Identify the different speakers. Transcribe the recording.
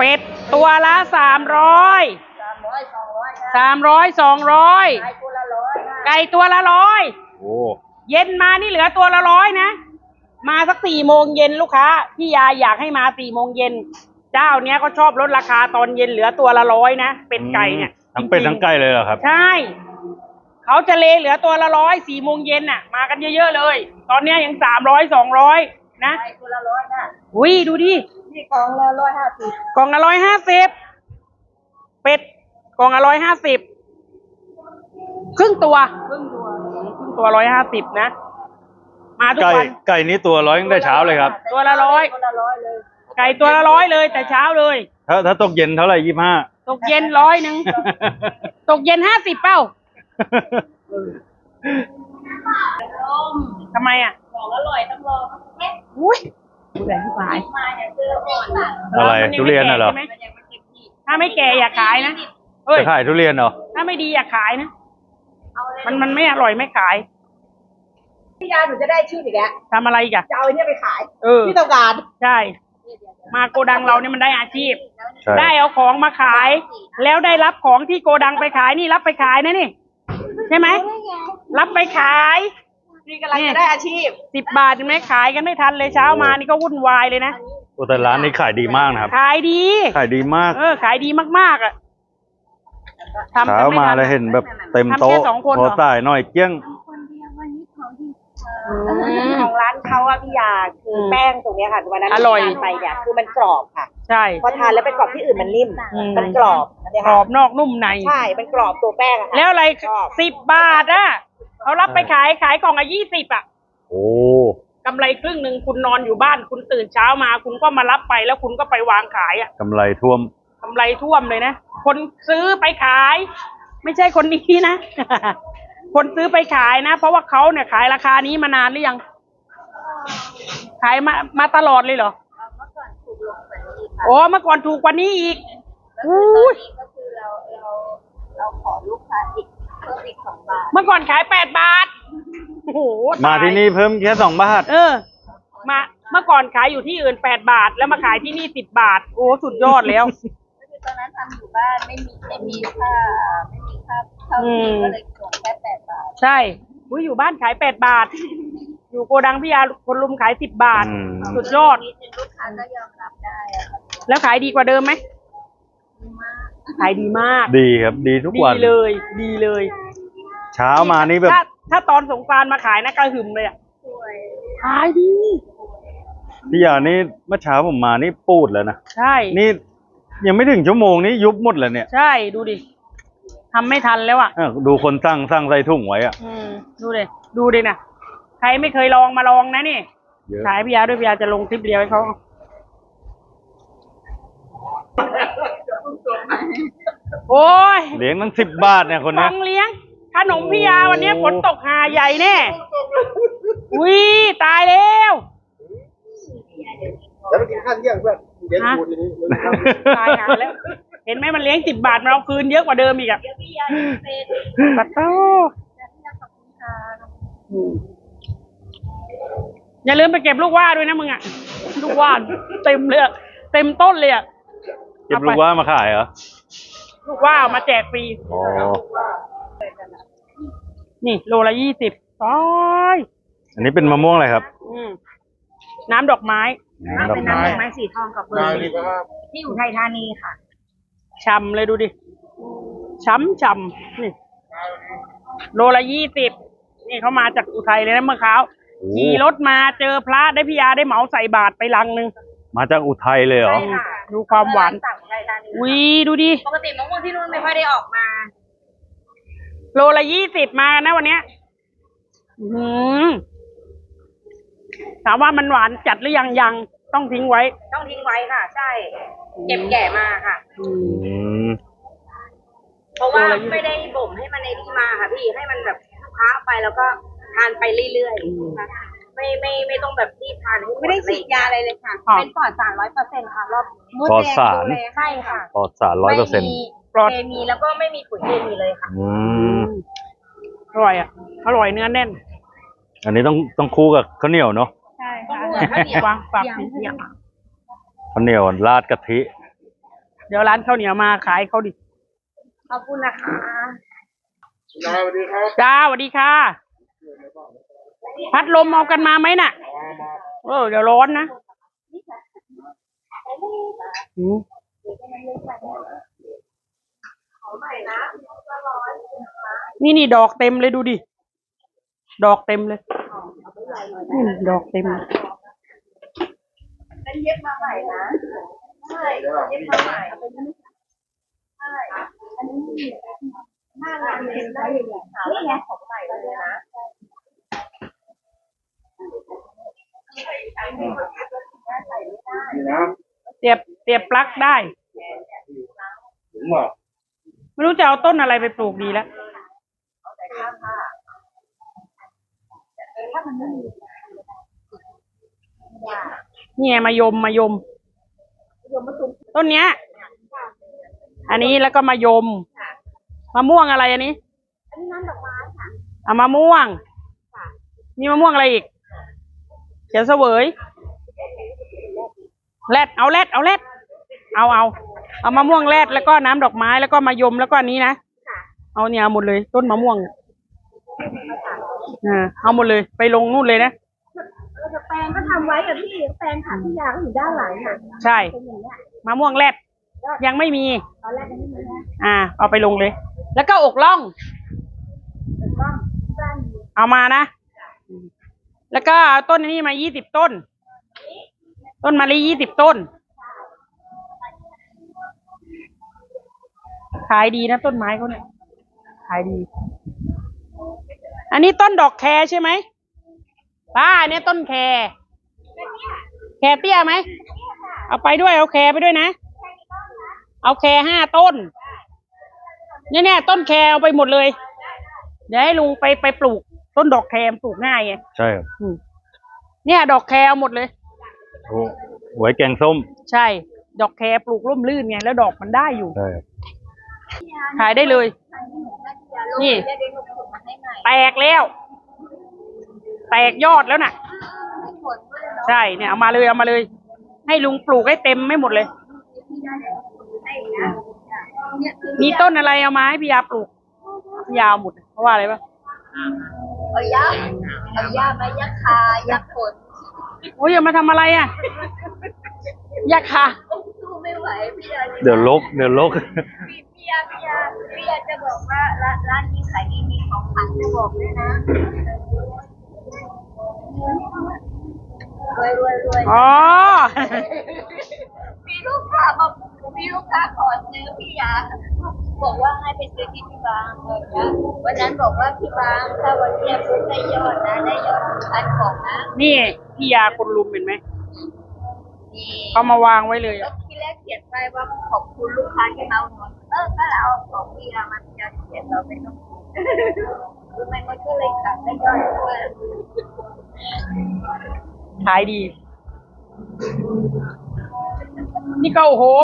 Speaker 1: เป็ดตัวละ300 300 200ไก่ตัวละ100โอ้เย็นมานี่เหลือตัวละ100นะมาสัก4 โมงเย็นลูกค้าพี่ยาอยากให้มา4 โมงเย็นเจ้าเนี้ยเขาชอบลดราคาตอนเย็นเหลือตัวละ100นะเป็ดไก่เนี่ย
Speaker 2: ทั้งเป็ดทั้งไก่เลยเหรอครับ
Speaker 1: ใช่เขาจะเลเหลือตัวละ100 4 โมงเย็นน่ะมากันเยอะๆเลยตอนเนี้ยยัง300 200นะตัวละ100นะอุ้ยดูดินี่กล่องละ150กล่องละ150เป็ดกล่องละ150ครึ่งตัวตัว150นะมาทุกวัน
Speaker 2: ไก่นี้ตัว100ตั้งแต่เช้าเลยครับ
Speaker 1: ตัวละ100เลยไก่ตัวละ100เลยแต่เช้าเลย
Speaker 2: ถ้าตกเย็นเท่าไหร่25
Speaker 1: ตกเย็น100ตกเย็น50เป้าทำไมอ่ะของอร่อยต้องรออุ้ยดูแลที่ปลาย
Speaker 2: อะไรทุเรียนน่ะเหรอ
Speaker 1: ถ้าไม่แก่อย่าขายนะ
Speaker 2: จะขายทุเรียนเหรอ
Speaker 1: ถ้าไม่ดีอย่าขายนะมันไม่อร่อยไม่ขาย
Speaker 3: พี่ยาหนูจะได้ชื่ออีกแล้ว
Speaker 1: ทำอะไรอีกอะ
Speaker 3: จะเอาไอ้นี่ไปขายที่ต้องการ
Speaker 1: ใช่มาโกดังเราเนี่ยมันได้อาชีพได้เอาของมาขายแล้วได้รับของที่โกดังไปขายนี่รับไปขายนะนี่ใช่ไหมรับไปขาย
Speaker 3: นี่กำลังจะได้อาชีพ
Speaker 1: 10 บาทยังไม่ขายกันไม่ทันเลยเช้ามานี่ก็วุ่นวายเลยนะ
Speaker 2: แต่ร้านนี้ขายดีมากนะครับ
Speaker 1: ขายดี
Speaker 2: มาก
Speaker 1: ขายดีมากๆอ่ะ
Speaker 2: เช้ามาแล้วเห็นแบบเต็มโต๊ะโทรจ่ายหน่อยเกี้ยง
Speaker 3: ของร้านเขาอะพี่ยาคือแป้งตรงนี้ค่ะวันนั้น
Speaker 1: อร่อย
Speaker 3: ไปเนี่ยคือมันกรอบค่ะ
Speaker 1: ใช่
Speaker 3: พอทานแล้วไปกรอบที่อื่นมันนิ่มมันกรอบ
Speaker 1: นอกนุ่มใน
Speaker 3: ใช่มันกรอบตัวแป้งอะ
Speaker 1: แล้วอะไร10 บาทอะเขารับไปขายกล่องละ20อะ
Speaker 2: โอ้
Speaker 1: กำไรครึ่งหนึ่งคุณนอนอยู่บ้านคุณตื่นเช้ามาคุณก็มารับไปแล้วคุณก็ไปวางขายอะ
Speaker 2: กำไรท่วม
Speaker 1: เลยนะคนซื้อไปขายไม่ใช่คนนี้นะคนซื้อไปขายนะเพราะว่าเขาเนี่ยขายราคานี้มานานหรือยังขายมาตลอดเลยเหรอเมื่อก่อนถูกกว่านี้อีก
Speaker 3: ก็คือเราขอลูกค้าเพิ่มอีก2 บาท
Speaker 1: เมื่อก่อนขาย8 บาทโอ้โห
Speaker 2: มาที่นี่เพิ่มแค่2 บาท
Speaker 1: มาเมื่อก่อนขายอยู่ที่อื่น8 บาทแล้วมาขายที่นี่10 บาทโอ้สุดยอดแล้ว
Speaker 3: ตอนนั้นทำอยู่บ้านไม่มีค่าเข้าที่ก็เลยส่งแค่8 บาท
Speaker 1: ใช่อยู่บ้านขาย8 บาทอยู่โกดังพี่ยาคนลุมขาย10 บาทสุดยอด
Speaker 3: ลูกค้าก็ยอมรับได้
Speaker 1: แล้วขายดีกว่าเดิมไหมขายดีมาก
Speaker 2: ดีครับดีทุกวัน
Speaker 1: ดีเลย
Speaker 2: เช้ามานี่แบบ
Speaker 1: ถ้าตอนสงกรานต์มาขายนะกระหึ่มเลยอ่ะขายดี
Speaker 2: พี่ยานี่เมื่อเช้าผมมานี่ปูดแล้วนะ
Speaker 1: ใช่
Speaker 2: นี่ยังไม่ถึงชั่วโมงนี้ยุบหมดแล้วเนี่ย
Speaker 1: ใช่ดูดิทำไม่ทันแล้วอ่ะ
Speaker 2: ดูคนสั่งใส่ถุงไว้อ่ะ
Speaker 1: ดูดินะใครไม่เคยลองมาลองนะนี่ขายพี่ยาด้วยพี่ยาจะลงคลิปเดียวให้เขาโอ้ย
Speaker 2: เลี้ยงตั้ง10 บาทเนี่ยคนนี้
Speaker 1: เลี้ยงขนมพี่ยาวันนี้ฝนตกหาใหญ่แน่ตายแล้ว
Speaker 4: แล้วมันกินข้าวเที่ยงเพื่อนเลี้ยงคูณอย่างนี้
Speaker 1: ตายหาแล้วเห็นไหมมันเลี้ยง10 บาทมันเอาคืนเยอะกว่าเดิมอีกอ่ะปัดโต้อย่าลืมไปเก็บลูกว่าด้วยนะมึงอ่ะลูกว่าเต็มเลยเต็มต้นเลยอ่ะ
Speaker 2: เก็บลูกว่ามาขายเหรอ
Speaker 1: ลูกว่ามาแจกฟรีนี่โลละ20
Speaker 2: อันนี้เป็นมะม่วงอะไรครับ
Speaker 1: น้ำดอกไม้
Speaker 3: เป็นน้ำดอกไม้สีทองกับเบอร์ที่อยู่ไทยธานีค่ะ
Speaker 1: ช่ำเลยดูดิช่ำนี่โลละ20นี่เขามาจากอุทัยเลยนะเมื่อเช้าขี่รถมาเจอพระได้พี่ยาได้เหมาใส่บาตรไปลังนึง
Speaker 2: มาจากอุทัยเลยเหรอ
Speaker 1: ดูความหวานดูดิ
Speaker 3: ปกติมะม่วงที่นู่นไม่ค่อยได้ออกมา
Speaker 1: โลละ20มานะวันเนี้ยถามว่ามันหวานจัดหรือยังต้องทิ้งไว้
Speaker 3: ค่ะใช่เก็บแก่มาค่ะเพราะว่าไม่ได้บ่มให้มันในนี่มาค่ะพี่ให้มันแบบค้างไปแล้วก็ทานไปเรื่อยๆไม่ต้องแบบรีบทานไม่ได้ฉีดยาอะไรเลยค่ะเป็นปลอดสาร 100% ค่ะรอบ
Speaker 2: ปลอดสาร
Speaker 3: ใช่ค่ะ
Speaker 2: ปลอดสาร 100%
Speaker 1: ปลอด
Speaker 3: เคมีแล้วก็ไม่มีปุ๋ยเคมีเลยค่ะ
Speaker 1: อร่อยอ่ะอร่อยเนื้อแน่น
Speaker 2: อันนี้ต้องคู่กับข้าวเหนียวเนาะ
Speaker 3: ใช่ค่ะข้าวเหนียว
Speaker 2: ข้าวเหนียวราดกะทิ
Speaker 1: เดี๋ยวร้านข้าวเหนียวมาขายเขาดิ
Speaker 3: ขอบคุณนะคะ
Speaker 4: สวัสดีครับ
Speaker 1: จ้าสวัสดีค่ะ พัดลมเอากันมาไหมน่ะ เดี๋ยวร้อนนะอืมนี่ดอกเต็มเลยดูดิ ดอกเต็มเลยดอกเต็มเลย
Speaker 3: เป็นเย็บมาใหม่นะใช่เย็บมาใหม่ใช่อันนี้หน้างานเลยได้เลยนี่ไงของใหม่เลยนะ
Speaker 4: นี่นะ
Speaker 1: เสียบปลั๊กได้
Speaker 4: ถึงว่า
Speaker 1: ไม่รู้จะเอาต้นอะไรไปปลูกดีแล้วเนี่ยมายมต้นเนี้ย อันนี้แล้วก็มายมมะม่วงอะไรอันนี้
Speaker 3: อันนี้น้ำดอกไม้ค่ะ
Speaker 1: มะม่วงมีมะม่วงอะไรอีกเขียวเสวยแรดเอามะม่วงแรดแล้วก็น้ำดอกไม้แล้วก็มายมแล้วก็อันนี้นะเอาเนี่ยเอาหมดเลยต้นมะม่วงเอาหมดเลยไปลงนู่นเลยนะ
Speaker 3: แปลงก็ทำไว้กับพี่แปลงค่ะพี่ยาก็อยู่ด้านหลังค่ะ
Speaker 1: ใช่มะม่วงแรดยังไม่มี
Speaker 3: ตอนแรกยังไม่มีนะ
Speaker 1: เอาไปลงเลย แล้วก็อกล่อง
Speaker 3: ก็สั้น
Speaker 1: เอามานะ แล้วก็เอาต้นนี้มา20 ต้น ต้นมะลิ20 ต้น ขายดีนะต้นไม้เขาเนี่ย ขายดี อันนี้ต้นดอกแคใช่ไหมป้าเนี่ยต้นแคเตี้ยไหม เอาไปด้วย เอาแคไปด้วยนะ เอาแค5 ต้น เนี่ยต้นแคเอาไปหมดเลย เดี๋ยวให้ลุงไปปลูก ต้นดอกแคปลูกง่ายไง
Speaker 2: ใช่ครับ
Speaker 1: เนี่ยดอกแคเอาหมดเลย
Speaker 2: โอ้หวยแกงส้ม
Speaker 1: ใช่ ดอกแคปลูกร่มรื่นไงแล้วดอกมันได้อยู่
Speaker 2: ใช่ครับ
Speaker 1: ขายได้เลย นี่ แตกแล้ว แตกยอดแล้วน่ะ ใช่เนี่ยเอามาเลย ให้ลุงปลูกให้เต็มไม่หมดเลย มีต้นอะไรเอามาให้พี่ยาปลูกพี่ยาเอาหมดเพราะว่าอะไรปะ
Speaker 3: เอายามายักคายักขน
Speaker 1: โอ้ยอย่ามาทำอะไรอ่ะอยากค่ะ
Speaker 3: สู้ไม่ไหวพี่ยา
Speaker 2: เดี๋ยวลก
Speaker 3: พี่ยาจะบอกว่าร้านนี้ขายดีมีของขวัญจะบอกด้วยนะรวย
Speaker 1: อ๋อ
Speaker 3: มีลูกค้าขอซื้อพี่ยาบอกว่าให้ไปซื้อที่พี่บางเลยนะวันนั้นบอกว่าพี่บางถ้าวันนี้ปุ๊บได้ยอดนะได้ยอด1,000ของนะ
Speaker 1: นี่พี่ยาคนลุมเห็นไหม
Speaker 3: นี่
Speaker 1: เขามาวางไว้เลย
Speaker 3: แล้ว
Speaker 1: อะ
Speaker 3: ที่แรกเขียนไปว่าขอบคุณลูกค้าที่มาอุดหนุนก็เราเอาของพี่ยามาจะเขียนเราไม่ต้องคือมันก็เลยขาดได้ยอดด้วย
Speaker 1: ขายดี นี่ก็โอ้โห